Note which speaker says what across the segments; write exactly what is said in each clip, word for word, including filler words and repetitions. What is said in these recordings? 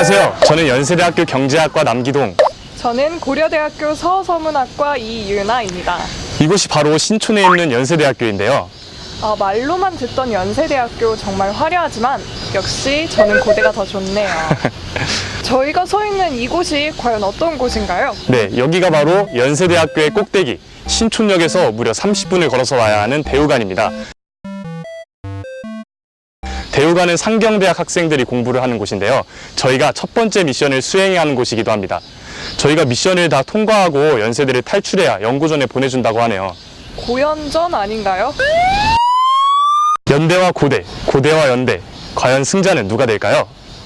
Speaker 1: 안녕하세요. 저는 연세대학교 경제학과 남기동.
Speaker 2: 저는 고려대학교 서서문학과 이유나입니다.
Speaker 1: 이곳이 바로 신촌에 있는 연세대학교인데요.
Speaker 2: 아, 말로만 듣던 연세대학교 정말 화려하지만 역시 저는 고대가 더 좋네요. 저희가 서 있는 이곳이 과연 어떤 곳인가요?
Speaker 1: 네, 여기가 바로 연세대학교의 꼭대기 신촌역에서 무려 삼십 분을 걸어서 와야 하는 대우관입니다. 대우관은 상경대학 학생들이 공부를 하는 곳인데요. 저희가 첫 번째 미션을 수행해야 하는 곳이기도 합니다. 저희가 미션을 다 통과하고 연세대를 탈출해야 연구전에 보내준다고 하네요.
Speaker 2: 고연전 아닌가요?
Speaker 1: 연대와 고대, 고대와 연대, 과연 승자는 누가 될까요?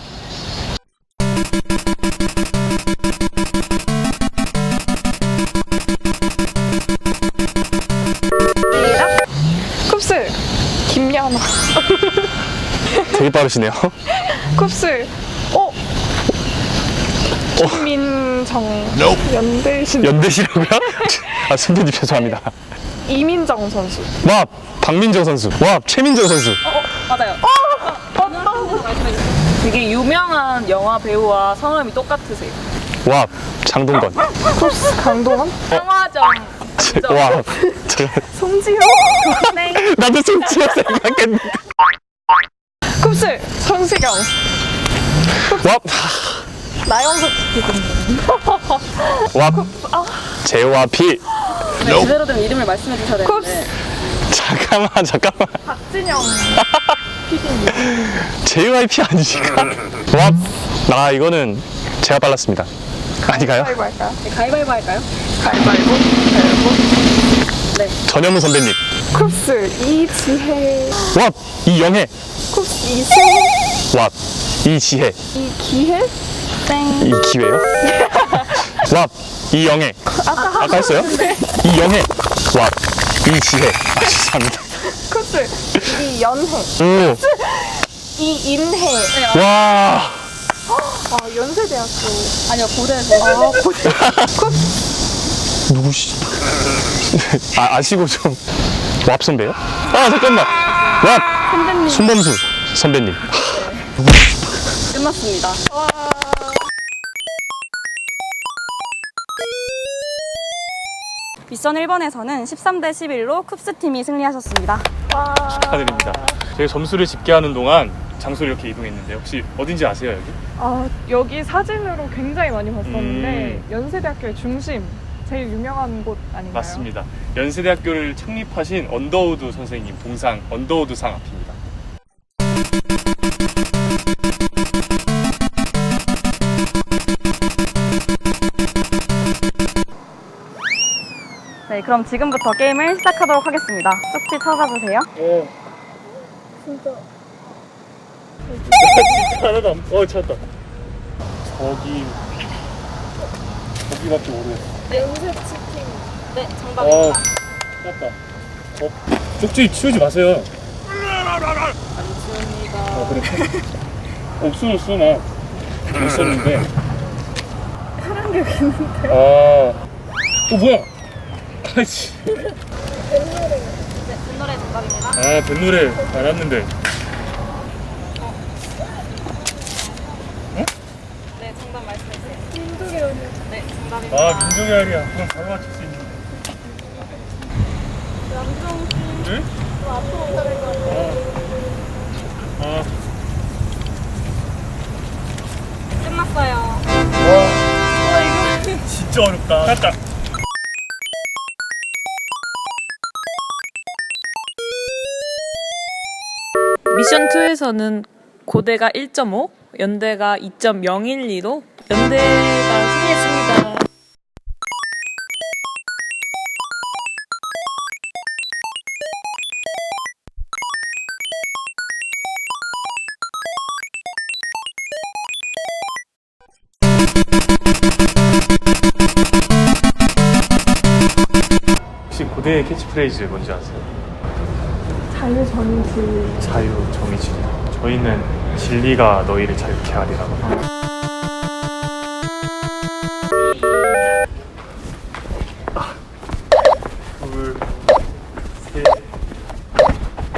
Speaker 2: 쿱스 김연아.
Speaker 1: 되게 빠르시네요.
Speaker 2: 쿱스 어? 김민정 연대신
Speaker 1: 연대시라고요? 아, 선배님 죄송합니다.
Speaker 2: 이민정 선수.
Speaker 1: 와, 박민정 선수. 와, 최민정 선수.
Speaker 3: 맞아요. 되게 유명한 영화 배우와 성함이 똑같으세요.
Speaker 1: 와, 장동건.
Speaker 2: 쿱스 강동원.
Speaker 3: 성화정.
Speaker 1: 와, 저,
Speaker 2: 송지효.
Speaker 3: 네.
Speaker 1: 나도 송지효 생각했는데.
Speaker 2: 쿱스 성시경.
Speaker 1: 와,
Speaker 2: 나영석.
Speaker 1: 와, 제와 피.
Speaker 3: 네, 제대로 된 이름을 말씀해 주셔야 되는데.
Speaker 1: 잠깐만, 잠깐만.
Speaker 2: 박진영.
Speaker 1: 제이와이피 아니실까? 와, 나 이거는 제가 빨랐습니다. 아니가요?
Speaker 2: 가위바위보 할까요?
Speaker 3: 네, 가위바위보 할까요?
Speaker 2: 가위바위보. 가위바위보.
Speaker 3: 네.
Speaker 1: 전현무 선배님.
Speaker 2: 쿱스 이지혜.
Speaker 1: 와, 이영애.
Speaker 2: 쿱스 이승.
Speaker 1: 와, 이지혜.
Speaker 2: 이기혜.
Speaker 3: 땡.
Speaker 1: 이기회요? 와, 이영애.
Speaker 2: 아까
Speaker 1: 아까 했어요? 이영애. 와, 이지혜. 아, 죄송합니다.
Speaker 2: 쿱스 이연혜.
Speaker 1: 오,
Speaker 2: 이인혜.
Speaker 1: 와.
Speaker 2: 아, 연세대학교.
Speaker 3: 아니요, 고대에서.
Speaker 2: 아, 고대. 쿱스.
Speaker 1: 누구시? 아, 아시고 좀. 왑 선배요? 아, 잠깐만. 왑.
Speaker 3: 선배님.
Speaker 1: 손범수 선배님.
Speaker 3: 끝났습니다.
Speaker 2: 와.
Speaker 4: 미션 일 번에서는 십삼 대 십일로 쿱스 팀이 승리하셨습니다.
Speaker 2: 와.
Speaker 1: 축하드립니다. 저희 점수를 집계하는 동안 장소를 이렇게 이동했는데 혹시 어딘지 아세요, 여기?
Speaker 2: 아, 여기 사진으로 굉장히 많이 봤었는데
Speaker 1: 음.
Speaker 2: 연세대학교의 중심, 제일 유명한 곳 아닌가요?
Speaker 1: 맞습니다. 연세대학교를 창립하신 언더우드 선생님 동상 언더우드상 앞입니다.
Speaker 4: 네, 그럼 지금부터 게임을 시작하도록 하겠습니다. 쪽지 찾아주세요.
Speaker 1: 어. 진짜. 진짜 하나도 안. 어, 찾았다. 저기. 저기밖에 모르겠어.
Speaker 2: 연세치킨.
Speaker 4: 네,
Speaker 1: 어,
Speaker 4: 정답입니다.
Speaker 1: 찾았다. 어, 쪽지 치우지 마세요.
Speaker 3: 안 치웁니다.
Speaker 1: 아, 그래? 없어졌어, 나. 있었는데.
Speaker 2: 파란 게 있는데.
Speaker 1: 아. 어, 뭐야? 아이씨.
Speaker 4: 네, 그 노래 정답입니다.
Speaker 1: 아, 뱃노래 알았는데.
Speaker 4: 네, 정답 말씀해주세요.
Speaker 2: 민족의 연애.
Speaker 4: 네, 정답입니다.
Speaker 1: 아, 민족의 알이야. 그럼 바로 맞출 수 있는.
Speaker 2: 남정 씨.
Speaker 1: 응?
Speaker 2: 좀 앞으로 오셔야 될 것 같아요.
Speaker 1: 아.
Speaker 4: 끝났어요.
Speaker 1: 와. 진짜 어렵다. 맞다.
Speaker 5: 미션 이에서는 고대가 일 점 오, 연대가 이 점 영일이로 연대가 승리했습니다.
Speaker 1: 혹시 고대의 캐치프레이즈 뭔지 아세요?
Speaker 2: 자유 정의지.
Speaker 1: 자유, 정의, 진리. 저희는 진리가 너희를 자유케 하리라고. 아, 둘, 셋.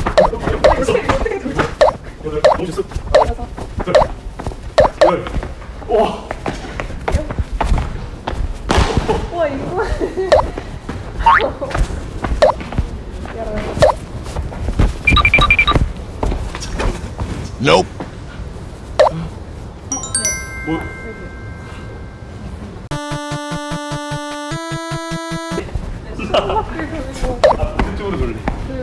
Speaker 1: 여덟, 여덟, 여덟, 열, 이쪽으로 돌래.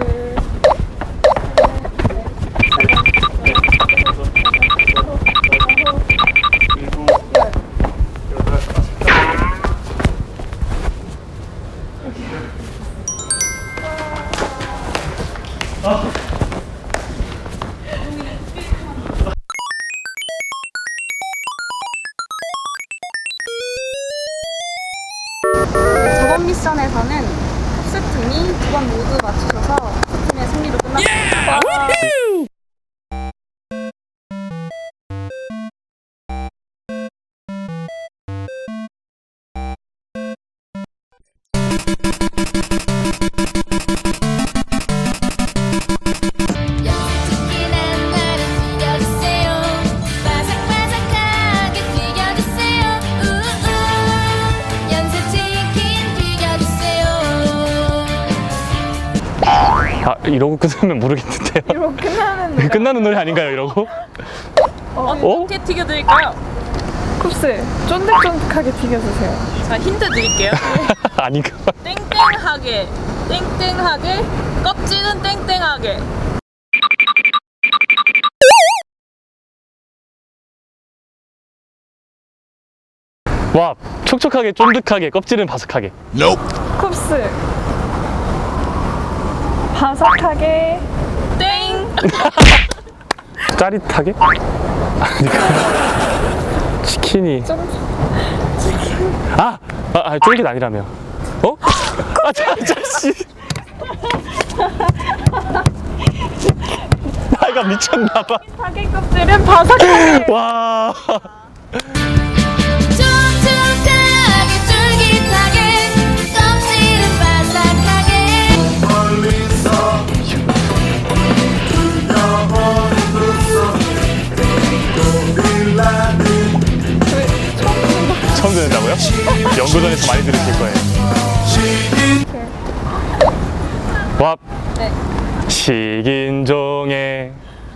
Speaker 4: 저번 미션에서는 흡수 팀이 두 번 모두 맞추셔서 흡수 팀의 승리로 끝났습니다.
Speaker 6: 연습치킨한 말은 튀겨주세요. 바삭바삭하게 튀겨주세요. 우우 연습치킨 튀겨주세요.
Speaker 1: 아, 이러고 끝나면 모르겠는데요.
Speaker 2: 이러고 끝나는 노래.
Speaker 1: 끝나는 노래 아닌가요, 이러고? 어?
Speaker 3: 어떻게 튀겨드릴까요?
Speaker 2: 쿱스, 쫀득쫀득하게 튀겨주세요.
Speaker 3: 자, 힌트 드릴게요.
Speaker 1: 아닌가?
Speaker 3: 땡땡하게, 땡땡하게, 껍질은 땡땡하게.
Speaker 1: 와, 촉촉하게, 쫀득하게, 껍질은 바삭하게.
Speaker 2: 쿱스, 바삭하게.
Speaker 3: 땡!
Speaker 1: 짜릿하게? 아니까. 치킨이. 아! 아, 아 쫄깃 아니라며. 어? 아, 자, 자씨. 나이가 미쳤나봐.
Speaker 2: 사계 껍질은 바삭하게.
Speaker 1: 와.
Speaker 6: 촉촉하게 쫄깃하게 껍질은 바삭하게
Speaker 1: 처음 듣는다고요? 연구전에서 많이 들으실 거예요. 와. 식인종에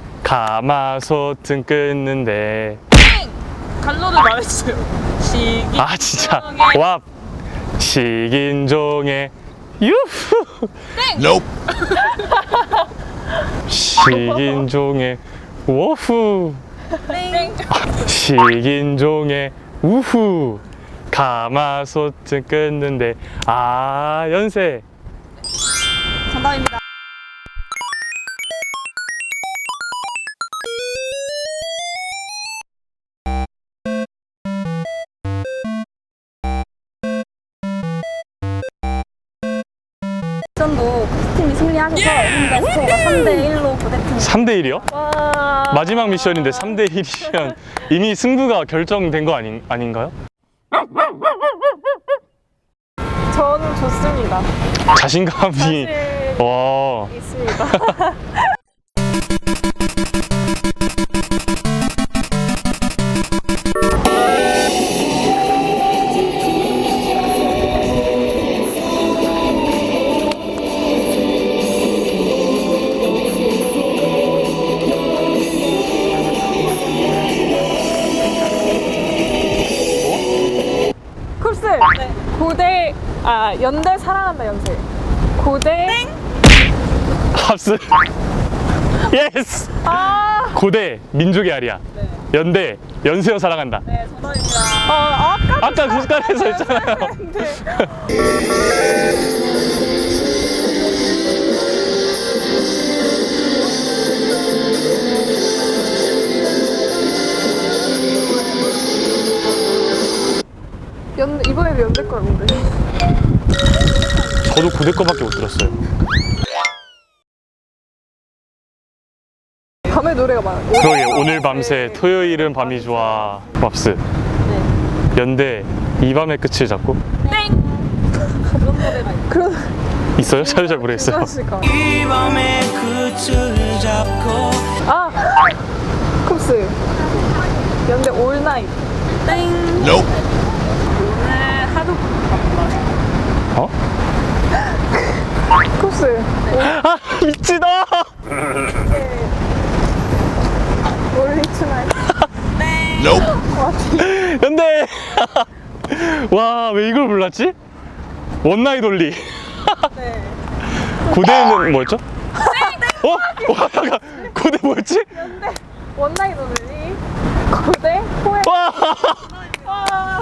Speaker 1: 가마솥은 끊는데.
Speaker 3: 갈로를 말했어요. 시기.
Speaker 1: 아 진짜. 와. 식인종에 유후. 식인종에 워후.
Speaker 3: 땡.
Speaker 1: 식인종에 우후. 가마솥은 끊는데. 아 연세.
Speaker 4: 정답입니다. 미션도 흡수 팀이 승리하셔서 현재 스코어가 삼 대 일로 고대팀이
Speaker 1: 삼 대 일이요?
Speaker 2: 와.
Speaker 1: 마지막 미션인데 삼 대 일이면 이미 승부가 결정된 거 아닌, 아닌가요?
Speaker 2: 저는 좋습니다.
Speaker 1: 자신감이.
Speaker 2: 사실
Speaker 1: 와.
Speaker 2: 있습니다. 쿱스, 고대, 아, 연대 사랑한다, 연세. 고대.
Speaker 1: 합스. 예스.
Speaker 2: 아,
Speaker 1: 고대 민족의 아리야. 연대 연세여 사랑한다.
Speaker 3: 네, 정답입니다.
Speaker 2: 아, 아까
Speaker 1: 아까 국가에서 했잖아요.
Speaker 2: 연, 이번에도 연대 걸 모르.
Speaker 1: 저도 고대 거밖에 못 들었어요.
Speaker 2: 밤에 노래가 많아요.
Speaker 1: 그러게 오늘 밤새 토요일은 밤이 좋아. 맙스. 연대 이 밤의 끝을 잡고
Speaker 2: 그런,
Speaker 1: 있어요? 잘 잘 모르겠어요.
Speaker 2: 그러실까.
Speaker 7: 이 밤의 끝을 잡고
Speaker 2: 아, 쿱스. 연대 올 나잇.
Speaker 3: 땡. 오늘 하루 바빠요.
Speaker 1: 어?
Speaker 2: 쿱스.
Speaker 1: 아 미치다. 연대. 와, 왜 이걸 몰랐지? 원나잇 올리.
Speaker 2: 네.
Speaker 1: 고대는 뭐였죠? 어? 와, 잠깐. 고대 뭐였지?
Speaker 2: 원나잇 올리 고대 포에
Speaker 1: 와.
Speaker 2: 와.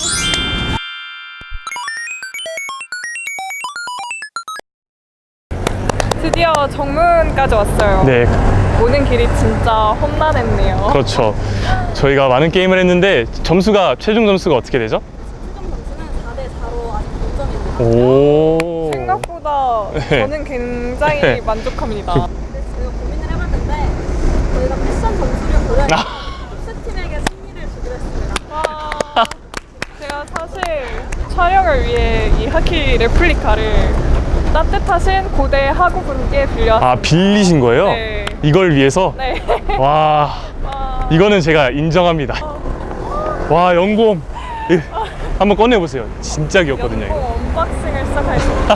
Speaker 2: 드디어 정문까지 왔어요.
Speaker 1: 네,
Speaker 2: 오는 길이 진짜 험난했네요.
Speaker 1: 그렇죠. 저희가 많은 게임을 했는데 점수가 최종 점수가 어떻게 되죠?
Speaker 4: 최종 점수는 사 대 사로 아직 동점입니다.
Speaker 1: 오.
Speaker 2: 생각보다
Speaker 1: 네.
Speaker 2: 저는 굉장히
Speaker 1: 네.
Speaker 2: 만족합니다.
Speaker 4: 근데 저희가 고민을 해봤는데 저희가 패션 점수를 고려해서
Speaker 1: 아.
Speaker 4: 흡스팀에게 승리를 주기로 했습니다.
Speaker 2: 와, 제가 사실 촬영을 위해 이 하키 레플리카를 따뜻하신 고대 하구분께 빌려왔습니다.
Speaker 1: 아, 빌리신 거예요?
Speaker 2: 네.
Speaker 1: 이걸 위해서?
Speaker 2: 네.
Speaker 1: 와,
Speaker 2: 와,
Speaker 1: 이거는 제가 인정합니다. 와, 연곰. 예, 한번 꺼내보세요. 진짜 귀엽거든요,
Speaker 2: 연고
Speaker 1: 이거.
Speaker 2: 언박싱을 시작하겠습니다.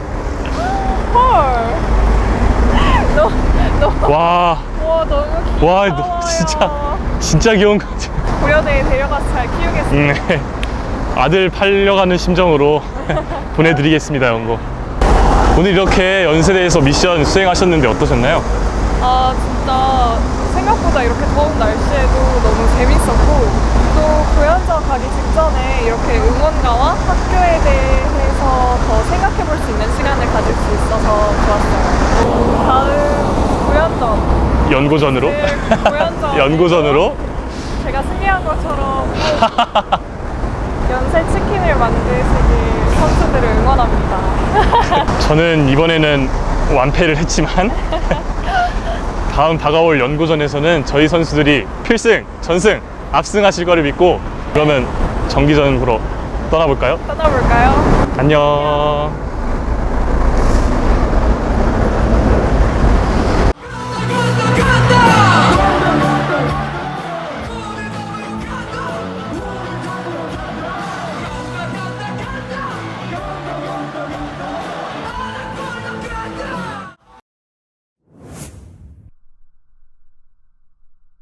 Speaker 2: 헐. 너무, 너무,
Speaker 1: 와,
Speaker 2: 와, 너무 귀여워요.
Speaker 1: 와, 너 진짜, 진짜 귀여운 것 같아요.
Speaker 2: 고려대에 데려가서 잘 키우겠습니다.
Speaker 1: 음, 네. 아들 팔려가는 심정으로 보내드리겠습니다, 연고. 오늘 이렇게 연세대에서 미션 수행하셨는데 어떠셨나요?
Speaker 2: 아, 진짜 생각보다 이렇게 더운 날씨에도 너무 재밌었고 또 교연전 가기 직전에 이렇게 응원가와 학교에 대해서 더 생각해 볼 수 있는 시간을 가질 수 있어서 좋았어요. 다음 교연전,
Speaker 1: 연고전으로?
Speaker 2: 네, 교연전
Speaker 1: 연고전으로?
Speaker 2: 제가 승리한 것처럼 꼭 연세 치킨을 만드시길 선수들을 응원합니다.
Speaker 1: 저는 이번에는 완패를 했지만 다음 다가올 연고전에서는 저희 선수들이 필승, 전승, 압승하실 거를 믿고 그러면 정기전 보러 떠나볼까요?
Speaker 2: 떠나볼까요?
Speaker 1: 안녕.